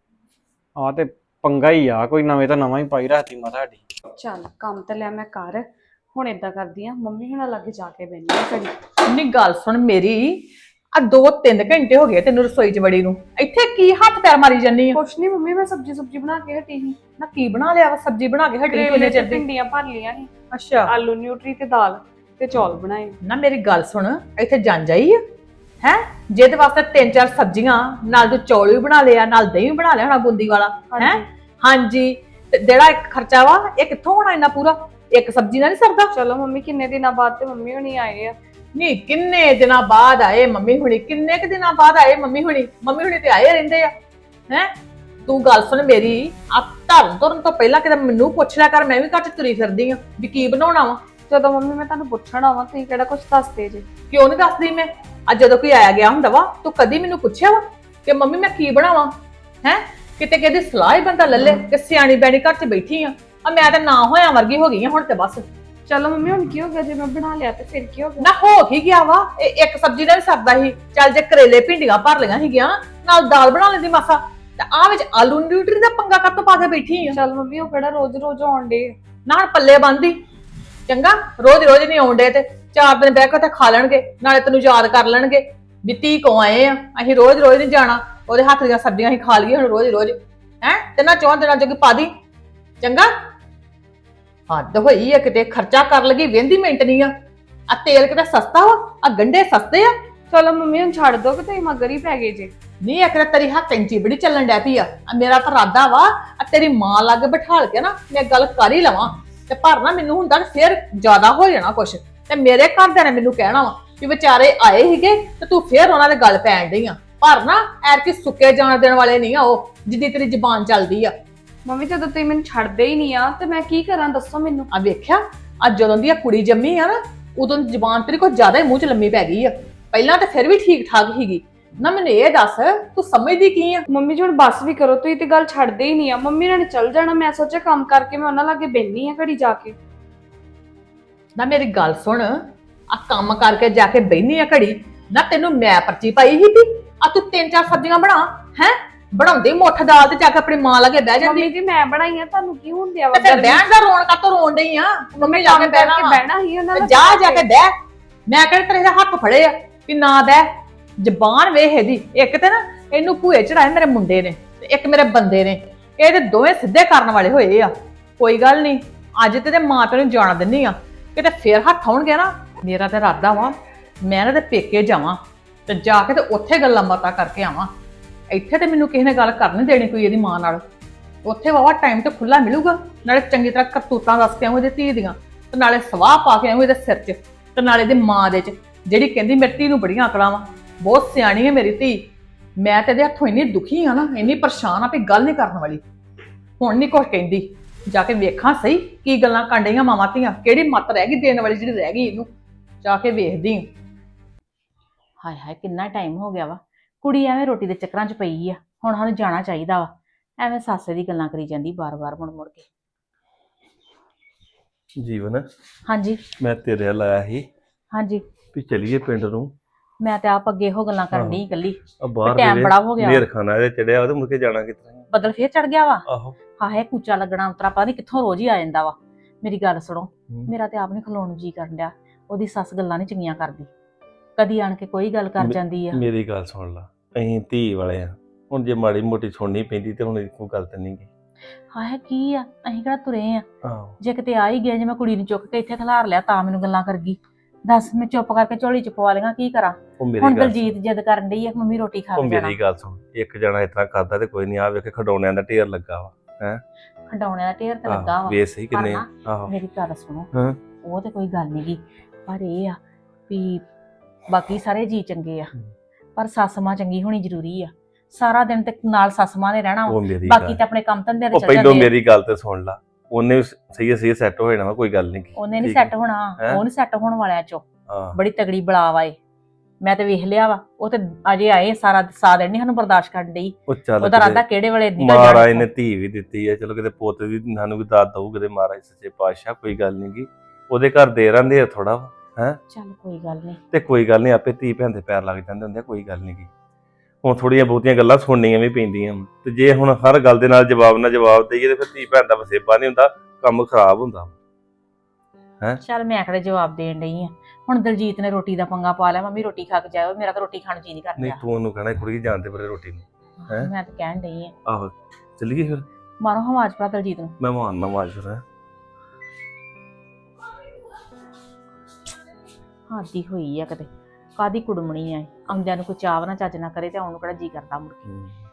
ਆ ਤੇ ਪੰਗਾ ਹੀ ਆ ਕੋਈ ਨਵੇਂ ਤਾਂ ਨਵਾਂ ਹੀ ਪਾਈ ਰੱਖਦੀ ਮਾਤਾ ਸਾਡੀ ਚੱਲ ਕੰਮ ਤੇ ਲਿਆ ਮੈਂ ਕਰ ਹੁਣ ਏਦਾਂ ਕਰਦੀ ਆ ਮੰਮੀ ਹੁਣਾਂ ਲਾਗੇ ਜਾ ਕੇ ਬੈਠੀ ਆ ਘੜੀ ਨਹੀਂ ਗੱਲ ਸੁਣ ਮੇਰੀ ਆ 2-3 ਘੰਟੇ ਹੋ ਗਏ ਤੈਨੂੰ ਰਸੋਈ 'ਚ ਵੜੀ ਨੂੰ ਇੱਥੇ ਕੀ ਹੱਥ ਪੈਰ ਮਾਰੀ ਜੰਨੀ ਆ ਕੁਛ ਨਹੀਂ ਮੰਮੀ ਮੈਂ ਸਬਜੀ ਬਣਾ ਕੇ ਹਟੀ ਸੀ ਨਾ ਕੀ ਬਣਾ ਲਿਆ ਵਾ ਸਬਜ਼ੀ ਬਣਾ ਕੇ ਹਟੀ ਕਰੇਲੇ ਕਿੰਨੇ ਤੇ ਚਿਰ ਦੀ ਭਿੰਡੀਆਂ ਭਰ ਲੀਆਂ ਸੀ ਅੱਛਾ ਆਲੂ ਨਿਊਟਰੀ ਤੇ ਦਾਲ ਤੇ ਚੌਲ ਬਣਾਏ ਨਾ ਮੇਰੀ ਗੱਲ ਸੁਣ ਇੱਥੇ ਜੰਜ ਆਈ ਆ ਹੈ ਜਿਹਦੇ ਵਾਸਤੇ 3-4 ਸਬਜ਼ੀਆਂ ਨਾਲ ਤੂੰ ਚੌਲ ਵੀ ਬਣਾ ਲਿਆ ਨਾਲ ਦਹੀਂ ਵੀ ਬਣਾ ਲਿਆ ਹੋਣਾ ਬੂੰਦੀ ਵਾਲਾ ਹੈ ਹਾਂਜੀ ਤੇ ਜਿਹੜਾ ਇੱਕ ਖਰਚਾ ਵਾ ਇਹ ਕਿੱਥੋਂ ਹੋਣਾ ਇੰਨਾ ਪੂਰਾ ਇੱਕ ਸਬਜ਼ੀ ਨਾਲ ਨਹੀਂ ਸਰਦਾ ਚਲੋ ਮੰਮੀ ਕਿੰਨੇ ਦਿਨਾਂ ਬਾਅਦ ਤੇ ਮੰਮੀ ਹੁਣੀ ਆਏ ਆ ਨਹੀਂ ਕਿੰਨੇ ਦਿਨਾਂ ਬਾਅਦ ਆਏ ਮੰਮੀ ਹੁਣੀ ਕਿੰਨੇ ਕੁ ਦਿਨਾਂ ਬਾਅਦ ਆਏ ਮੰਮੀ ਹੁਣੀ ਤੇ ਆਏ ਰਹਿੰਦੇ ਆ ਹੈ ਤੂੰ ਗੱਲ ਸੁਣ ਮੇਰੀ ਆ ਧਰਨ ਤੁਰਨ ਤੋਂ ਪਹਿਲਾਂ ਕਿਤੇ ਮੈਨੂੰ ਪੁੱਛ ਲਿਆ ਕਰ ਮੈਂ ਵੀ ਘਰ ਚ ਤੁਰੀ ਫਿਰਦੀ ਆ ਵੀ ਕੀ ਬਣਾਉਣਾ ਵਾ ਜਦੋਂ ਮੰਮੀ ਮੈਂ ਤੁਹਾਨੂੰ ਪੁੱਛਣ ਆਵਾਂ ਤੁਸੀਂ ਕਿਹੜਾ ਕੁਝ ਦੱਸਦੇ ਜੇ ਕਿਉਂ ਨਹੀਂ ਦੱਸਦੀ ਮੈਂ ਅੱਜ ਜਦੋਂ ਕੋਈ ਆਇਆ ਗਿਆ ਹੁੰਦਾ ਵਾ ਤੂੰ ਕਦੀ ਮੈਨੂੰ ਪੁੱਛਿਆ ਵਾ ਕਿ ਮੰਮੀ ਮੈਂ ਕੀ ਬਣਾਵਾਂ ਹੈ ਕਿਤੇ ਕਿਹਦੀ ਸਲਾਹ ਹੀ ਬੰਦਾ ਲੱਲੇ ਕਿ ਸਿਆਣੀ ਬੈਣੀ ਘਰ ਚ ਬੈਠੀ ਆ ਮੈਂ ਤਾਂ ਨਾ ਹੋਇਆ ਵਰਗੀ ਹੋ ਗਈ ਆ ਹੁਣ ਤੇ ਬਸ ਚਲੋ ਮੰਮੀ ਹੁਣ ਕੀ ਹੋ ਗਿਆ ਜੇ ਮੈਂ ਬਣਾ ਲਿਆ ਤੇ ਫਿਰ ਕੀ ਹੋ ਗਿਆ ਨਾ ਹੋ ਹੀ ਗਿਆ ਵਾ ਇਹ ਇੱਕ ਸਬਜ਼ੀ ਨਾਲ ਵੀ ਸਰਦਾ ਸੀ ਚੱਲ ਜੇ ਕਰੇਲੇ ਭਿੰਡੀਆਂ ਭਰ ਲਈਆਂ ਸੀਗੀਆਂ ਨਾਲ ਦਾਲ ਬਣਾ ਲੈਂਦੀ ਮਾਸਾ ਤੇ ਆ ਵਿੱਚ ਆਲੂ ਨਿਊਟਰੀ ਦਾ ਪੰਗਾ ਕੱਟ ਪਾ ਕੇ ਬੈਠੀ ਆ ਚਲ ਮੰਮੀ ਉਹ ਕਿਹੜਾ ਰੋਜ਼ ਆਉਣ ਡੇ ਨਾ ਹੁਣ ਪੱਲੇ ਬੰਦੀ ਚੰਗਾ ਰੋਜ਼ ਨਹੀਂ ਆਉਂਦੇ ਤੇ 4 ਦਿਨ ਬਹਿ ਕੇ ਤੇ ਖਾ ਲੈਣਗੇ ਨਾਲੇ ਤੈਨੂੰ ਯਾਦ ਕਰ ਲੈਣਗੇ ਵੀ ਧੀ ਕੋ ਆਏ ਆ ਅਸੀਂ ਰੋਜ਼ ਨਹੀਂ ਜਾਣਾ ਉਹਦੇ ਹੱਥ ਦੀਆਂ ਸਬਜ਼ੀਆਂ ਅਸੀਂ ਖਾ ਲਈਏ ਹੁਣ ਰੋਜ਼ ਹੈ ਤੇ ਨਾ 4 ਦਿਨਾਂ ਜੋਗੀ ਪਾ ਦੀ ਚੰਗਾ ਹੱਦ ਹੋਈ ਆ ਕਿਤੇ ਖਰਚਾ ਕਰ ਲਗੀ ਵੇਂਦੀ ਮਿੰਟ ਨਹੀਂ ਆ ਤੇਲ ਕਿਤੇ ਸਸਤਾ ਵਾ ਆ ਗੰਢੇ ਸਸਤੇ ਆ ਚਲੋ ਮੰਮੀ ਹੁਣ ਛੱਡ ਦੋ ਕਿ ਤੁਸੀਂ ਮਗਰ ਹੀ ਪੈ ਗਏ ਜੇ ਨਹੀਂ ਇੱਕ ਤਾਂ ਤੇਰੀ ਹੱਥ ਕੈਂਚੀ ਬੜੀ ਚੱਲਣ ਡੈ ਪਈ ਆ ਮੇਰਾ ਤਾਂ ਇਰਾਦਾ ਵਾ ਆ ਤੇਰੀ ਮਾਂ ਲਾਗੇ ਬਿਠਾਲ ਕੇ ਨਾ ਮੈਂ ਗੱਲ ਕਰ ਹੀ ਲਵਾਂ ਤੇ ਪਰ ਨਾ ਮੈਨੂੰ ਹੁੰਦਾ ਫੇਰ ਜ਼ਿਆਦਾ ਹੋ ਜਾਣਾ ਕੁਛ ਤੇ ਮੇਰੇ ਘਰਦਿਆਂ ਨੇ ਮੈਨੂੰ ਕਹਿਣਾ ਵਾ ਵੀ ਵਿਚਾਰੇ ਆਏ ਸੀਗੇ ਤੇ ਤੂੰ ਫੇਰ ਉਹਨਾਂ ਦੇ ਗੱਲ ਪੈਣ ਡਈ ਆ ਪਰ ਨਾ ਐਰ ਕੀ ਸੁੱਕੇ ਜਾਣ ਦੇਣ ਵਾਲੇ ਨਹੀਂ ਆ ਉਹ ਜਿੱਦੀ ਤੇਰੀ ਜ਼ੁਬਾਨ ਚੱਲਦੀ ਆ ਮੰਮੀ ਜਦੋਂ ਤੁਸੀਂ ਮੈਨੂੰ ਛੱਡਦੇ ਹੀ ਨਹੀਂ ਆ ਤੇ ਮੈਂ ਕੀ ਕਰਾਂ ਦੱਸੋ ਮੈਨੂੰ ਆ ਵੇਖਿਆ ਅੱਜ ਜਦੋਂ ਦੀ ਆ ਕੁੜੀ ਜੰਮੀ ਆ ਨਾ ਉਦੋਂ ਜ਼ੁਬਾਨ ਤੇਰੀ ਕੁਝ ਜ਼ਿਆਦਾ ਹੀ ਮੂੰਹ 'ਚ ਲੰਮੀ ਪੈ ਗਈ ਆ ਪਹਿਲਾਂ ਤਾਂ ਫਿਰ ਵੀ ਠੀਕ ਠਾਕ ਹੀਗੀ ਨਾ ਮੈਨੂੰ ਇਹ ਦੱਸ ਤੂੰ ਸਮਝਦੀ ਕੀ ਆ ਮੰਮੀ ਜੀ ਹੁਣ ਬੱਸ ਵੀ ਕਰੋ ਤੁਸੀਂ ਤੇ ਗੱਲ ਛੱਡਦੇ ਹੀ ਨਹੀਂ ਆ ਮੰਮੀ ਨੇ ਚੱਲ ਜਾਣਾ ਮੈਂ ਸੋਚਿਆ ਕੰਮ ਕਰਕੇ ਮੈਂ ਉਹਨਾਂ ਲਾਗੇ ਬੈਠੀ ਆ ਘੜੀ ਜਾ ਕੇ ਨਾ ਮੇਰੀ ਗੱਲ ਸੁਣ ਆ ਕੰਮ ਕਰਕੇ ਜਾ ਕੇ ਬੈਣੀ ਆ ਘੜੀ ਨਾ ਤੈਨੂੰ ਮੈਂ ਪਰਚੀ ਪਾਈ ਸੀ ਵੀ ਆ ਤੂੰ 3-4 ਸਬਜ਼ੀਆਂ ਬਣਾ ਹੈ ਬਣਾਉਂਦੀ ਮੁੱਠ ਦਾਲ ਤੇ ਜਾ ਕੇ ਆਪਣੀ ਮਾਂ ਲਾਗੇ ਬਹਿ ਜਾਂਦੀ ਮੰਮੀ ਜੀ ਮੈਂ ਬਣਾਈ ਆ ਤੁਹਾਨੂੰ ਕੀ ਹੁੰਦਿਆ ਵਾ ਤੇ ਫਿਰ ਬਹਿਣ ਦਾ ਰੋਣ ਕਾਤੋਂ ਰੋਣ ਡਈ ਆ ਮੰਮੀ ਜਾ ਕੇ ਕਰਕੇ ਬਹਿਣਾ ਬਹਿਣਾ ਹੀ ਉਹਨਾਂ ਤੇ ਦਾ ਜਾ ਕੇ ਬਹਿ ਮੈਂ ਕਿਹੜੇ ਤੇਰੇ ਦੇ ਹੱਥ ਫੜੇ ਆ ਵੀ ਨਾ ਬਹਿ ਜ਼ਬਾਨ ਵੇਖ ਇਹਦੀ ਇੱਕ ਤੇ ਨਾ ਇਹਨੂੰ ਭੂਏ ਚੜਾਏ ਮੇਰੇ ਮੁੰਡੇ ਨੇ ਤੇ ਇੱਕ ਮੇਰੇ ਬੰਦੇ ਨੇ ਇਹਦੇ ਦੋਵੇਂ ਸਿੱਧੇ ਕਰਨ ਵਾਲੇ ਹੋਏ ਆ ਕੋਈ ਗੱਲ ਨਹੀਂ ਅੱਜ ਤੇ ਮਾਂ ਪਿਓ ਨੂੰ ਜਾਣ ਦਿੰਨੀ ਆ ਕਿਤੇ ਫੇਰ ਹੱਥ ਆਉਣਗੇ ਨਾ ਮੇਰਾ ਤੇ ਇਰਾਦਾ ਵਾ ਮੈਂ ਇਹਨਾਂ ਦੇ ਪੇਕੇ ਜਾਵਾਂ ਤੇ ਜਾ ਕੇ ਤੇ ਉੱਥੇ ਗੱਲਾਂ ਬਾਤਾਂ ਕਰਕੇ ਆਵਾਂ ਇੱਥੇ ਤੇ ਮੈਨੂੰ ਕਿਸੇ ਨੇ ਗੱਲ ਕਰ ਨਹੀਂ ਦੇਣੀ ਕੋਈ ਇਹਦੀ ਮਾਂ ਨਾਲ ਉੱਥੇ ਵਾਵਾ ਟਾਈਮ ਤੇ ਖੁੱਲਾ ਮਿਲੂਗਾ ਨਾਲੇ ਚੰਗੀ ਤਰ੍ਹਾਂ ਕਰਤੂਤਾਂ ਦੱਸ ਕੇ ਆਉਂ ਇਹਦੇ ਧੀ ਦੀਆਂ ਤੇ ਨਾਲੇ ਸਵਾਹ ਪਾ ਕੇ ਆਉਂ ਇਹਦੇ ਸਿਰ 'ਚ ਤੇ ਨਾਲੇ ਇਹਦੀ ਮਾਂ ਦੇ 'ਚ ਜਿਹੜੀ ਕਹਿੰਦੀ ਮੇਰੀ ਧੀ ਨੂੰ ਬੜੀਆਂ ਅਕਲਾਂ ਵਾ ਬਹੁਤ ਸਿਆਣੀ ਹੈ ਮੇਰੀ ਧੀ ਮੈਂ ਤੇ ਇਹਦੇ ਹੱਥੋਂ ਇੰਨੀ ਦੁਖੀ ਆ ਨਾ ਇੰਨੀ ਪਰੇਸ਼ਾਨ ਆ ਵੀ ਗੱਲ ਨਹੀਂ ਕਰਨ ਵਾਲੀ ਹੁਣ ਨਹੀਂ ਕੁਝ ਕਹਿੰਦੀ ਜਾ ਕੇ ਵੇਖਾਂ ਸਹੀ ਕੀ ਗੱਲਾਂ ਕਾਂਡੀਆਂ ਮਾਵਾਂ ਧੀਆਂ ਕਿਹੜੀ ਮੱਤ ਰਹਿ ਗਈ ਦੇਣ ਵਾਲੀ ਜਿਹੜੀ ਰਹਿ ਗਈ ਇਹਨੂੰ ਜਾ ਕੇ ਵੇਖਦੀ ਹਾਏ ਹਾਏ ਕਿੰਨਾ ਟਾਈਮ ਹੋ ਗਿਆ ਵਾ ਕੁੜੀ ਐਵੇਂ ਰੋਟੀ ਦੇ ਚੱਕਰਾਂ 'ਚ ਪਈ ਆ ਹੁਣ ਸਾਨੂੰ ਜਾਣਾ ਚਾਹੀਦਾ ਵਾ ਐਵੇਂ ਸਾਸੇ ਦੀ ਗੱਲਾਂ ਕਰੀ ਜਾਂਦੀ ਬਾਰ-ਬਾਰ ਮੁੜ ਕੇ ਜੀਵਨ ਹਾਂਜੀ ਮੈਂ ਤੇਰੇ ਵੱਲ ਆਇਆ ਸੀ ਹਾਂਜੀ ਵੀ ਚਲੀਏ ਪਿੰਡ ਨੂੰ ਮੈਂ ਤੇ ਆਪ ਅੱਗੇ ਇਹੋ ਗੱਲਾਂ ਕਰਨ ਡਈ ਇਕੱਲੀ ਆ ਬਾਹਰ ਟਾਈਮ ਬੜਾ ਹੋ ਗਿਆ ਨੇਰ ਖਾਣਾ ਇਹਦੇ ਚੜਿਆ ਉਹਦੇ ਮੁੜ ਕੇ ਜਾਣਾ ਕਿੱਥੇ ਬੱਦਲ ਫੇਰ ਚੜ ਗਿਆ ਵਾ ਆਹੋ ਹਾਏ ਕੂਚਾ ਲੱਗਣਾ ਉਤਰਾ ਪਤਾ ਨਹੀਂ ਕਿੱਥੋਂ ਰੋਜ਼ ਹੀ ਆ ਜਾਂਦਾ ਵਾ ਮੇਰੀ ਗੱਲ ਸੁਣੋ, ਮੇਰਾ ਤੇ ਆਪ ਨਹੀਂ ਖਲੋਣ ਨੂੰ ਜੀ ਕਰਨ ਡਿਆ। ਉਹਦੀ ਸੱਸ ਗੱਲਾਂ ਨਹੀਂ ਚੰਗੀਆਂ ਕਰਦੀ, ਕਦੀ ਆਣ ਕੇ ਕੋਈ ਗੱਲ ਕਰ ਜਾਂਦੀ ਆ। ਮੇਰੀ ਗੱਲ ਸੁਣ ਲਾ, ਅਸੀਂ ਧੀ ਵਾਲੇ ਆ, ਹੁਣ ਜੇ ਮਾੜੀ ਮੋਟੀ ਸੁਣਨੀ ਪੈਂਦੀ ਤੇ ਹੁਣ ਕੋਈ ਗੱਲ ਤੇ ਨਹੀਂ ਗੀ। ਹਾਏ ਕੀ ਆ, ਅਸੀਂ ਕਿਹੜਾ ਤੁਰੇ ਆ? ਆਹੋ ਜੇ ਕਿਤੇ ਆ ਹੀ ਗਿਆ, ਜੇ ਮੈਂ ਕੁੜੀ ਨੂੰ ਚੁੱਕ ਕੇ ਇੱਥੇ ਖਿਲਾਰ ਲਿਆ ਤਾਂ ਮੈਨੂੰ ਗੱਲਾਂ ਕਰ ਗਈ। ਦੱਸ, ਮੈਂ ਚੁੱਪ ਕਰਕੇ ਝੋਲੀ ਚ ਪਵਾ ਲਈਆਂ, ਕੀ ਕਰਾਂ? ਉਹ ਮੇਰੀ ਹੁਣ ਗੱਲ ਦਲਜੀਤ ਜਿੱਦ ਕਰਨ ਡਈ ਆ ਕਿ ਮੰਮੀ ਰੋਟੀ ਖਾ ਉਹ ਕੇ ਜਾਣਾ। ਮੇਰੀ ਗੱਲ ਸੁਣ, ਇੱਕ ਜਣਾ ਇਤਨਾ ਕਰਦਾ ਤੇ ਕੋਈ ਨਹੀਂ, ਆ ਵੇਖ ਖਡੌਣਿਆਂ ਦਾ ਢੇਰ ਲੱਗਾ ਵਾ। ਖਡਾਉਣਿਆਂ ਦਾ ਢੇਰ ਤੇ ਲੱਗਾ ਆਹੋ, ਵਾ। ਵੇਖ ਸਹੀ ਕਿੰਨੇ ਪਰ ਆ। ਨਾ, ਆਹੋ ਮੇਰੀ ਗੱਲ ਸੁਣੋ, ਹਾਂ। ਉਹ ਤੇ ਕੋਈ ਗੱਲ ਨੀ ਗੀ, ਪਰ ਇਹ ਆ ਵੀ ਬਾਕੀ ਸਾਰੇ ਜੀ ਚੰਗੇ ਆ, ਪਰ ਸੱਸ ਮਾਂ ਚੰਗੀ ਹੋਣੀ ਜ਼ਰੂਰੀ ਆ। ਸਾਰਾ ਦਿਨ ਤੇ ਨਾਲ ਸੱਸ ਮਾਂ ਨੇ ਰਹਿਣਾ ਵਾ, ਉਹ ਮੇਰੀ ਬਾਕੀ ਗੱਲ, ਤਾਂ ਆਪਣੇ ਕੰਮ ਧੰਦੇ ਤੇ ਉਹ ਚੱਲ ਪਹਿਲੋਂ ਜਾਂਦੇ ਆ। ਮੇਰੀ ਗੱਲ ਤੇ ਸੁਣ ਲਾ, ਉਹਨੇ ਵੀ ਸਹੀ ਸੈੱਟ ਹੋ ਜਾਣਾ ਵਾ, ਕੋਈ ਗੱਲ ਨਹੀਂ। ਉਹਨੇ ਨਹੀਂ ਸੈੱਟ ਹੋਣਾ, ਉਹ ਨਹੀਂ ਸੈੱਟ ਹੋਣ ਵਾਲਿਆਂ ਚੋਂ। ਹਾਂ ਬੜੀ ਤਗੜੀ ਬਲਾ ਵਾ ਏ, ਮੈਂ ਤੇ ਵੇਖ ਲਿਆ ਵਾ। ਉਹ ਤੇ ਅਜੇ ਆਏ ਸਾਰਾ ਸਾਹ ਦਿਨ ਨੀ ਸਾਨੂੰ ਬਰਦਾਸ਼ਤ ਕਰਨ ਡਈ। ਉਹ ਚੱਲ ਉਹਦਾ ਰਾਦਾ ਕਿਤੇ ਕਿਹੜੇ ਵੇਲੇ ਨਿਕਲ ਮਹਾਰਾਜ ਨੇ ਜਾਣਾ। ਧੀ ਵੀ ਦਿੱਤੀ ਹੈ, ਚਲੋ ਕਿਤੇ ਪੁੱਤ ਵੀ ਸਾਨੂੰ ਵੀ ਦਾਤ ਦਊ ਕਿਤੇ, ਮਹਾਰਾਜ ਸੱਚੇ ਪਾਤਸ਼ਾਹ, ਕੋਈ ਗੱਲ ਨਹੀਂ ਗੀ। ਉਹਦੇ ਘਰ ਦੇ ਰਹਿੰਦੇ ਆ ਥੋੜਾ ਵਾ, ਚੱਲ ਕੋਈ ਗੱਲ ਨਹੀਂ। ਤੇ ਕੋਈ ਗੱਲ ਨਹੀਂ, ਆਪੇ ਧੀ ਭੈਣ ਦੇ ਪੈਰ ਲੱਗ ਜਾਂਦੇ ਹੁੰਦੇ ਆ, ਕੋਈ ਗੱਲ ਨਹੀਂ ਗੀ। ਹੁਣ ਥੋੜੀਆਂ ਬਹੁਤੀਆਂ ਗੱਲਾਂ ਸੁਣਨੀਆਂ ਵੀ ਪੈਂਦੀਆਂ ਵਾਂ, ਤੇ ਜੇ ਹੁਣ ਹਰ ਗੱਲ ਦੇ ਨਾਲ ਜਵਾਬ ਦੇਈਏ ਤੇ ਫਿਰ ਧੀ ਭੈਣ ਦਾ ਵਸੇਬਾ ਨਹੀਂ ਹੁੰਦਾ, ਕੰਮ ਖਰਾਬ ਹੁੰਦਾ। ਚੱਲ ਮੈਂ ਕਿਹੜੇ ਜਵਾਬ ਦੇਣ ਡਈ ਆ। ਹੁਣ ਦਲਜੀਤ ਨੇ ਰੋਟੀ ਦਾ ਪੰਗਾ ਪਾ ਲਿਆ, ਮੰਮੀ ਰੋਟੀ ਖਾ ਕੇ ਜਾਇਓ, ਮੇਰਾ ਤਾਂ ਰੋਟੀ ਖਾਣ ਨੂੰ ਜੀ ਨਹੀਂ ਨਹੀਂ ਕਰਦਾ। ਤੂੰ ਉਹਨੂੰ ਕਹਿਣਾ ਕੁੜੀ ਜਾਣਦੇ ਪਰੇ ਰੋਟੀ ਨੂੰ। ਹੈਂ? ਮੈਂ ਤਾਂ ਕਹਿਣ ਡਈ ਆ, ਆਹੋ ਚੱਲੀਏ ਫਿਰ, ਮਾਰੋ ਆਵਾਜ਼ ਭਰਾ ਦਲਜੀਤ ਨੂੰ। ਮੈਂ ਮਾਰਨਾ ਆਵਾਜ਼ ਫਿਰ। ਹਾਦੀ ਹੋਈ ਆ ਕਿਤੇ, ਕਾਦੀ ਕੁੜਮਣੀ ਆ, ਆਉਂਦਿਆਂ ਨੂੰ ਕੋਈ ਚਾਹ ਨਾ ਚੱਜ ਨਾ ਕਰੇ ਤੇ ਆਉਣ ਨੂੰ ਕਿਹੜਾ ਜੀ ਕਰਦਾ ਮੁੜ ਕੇ।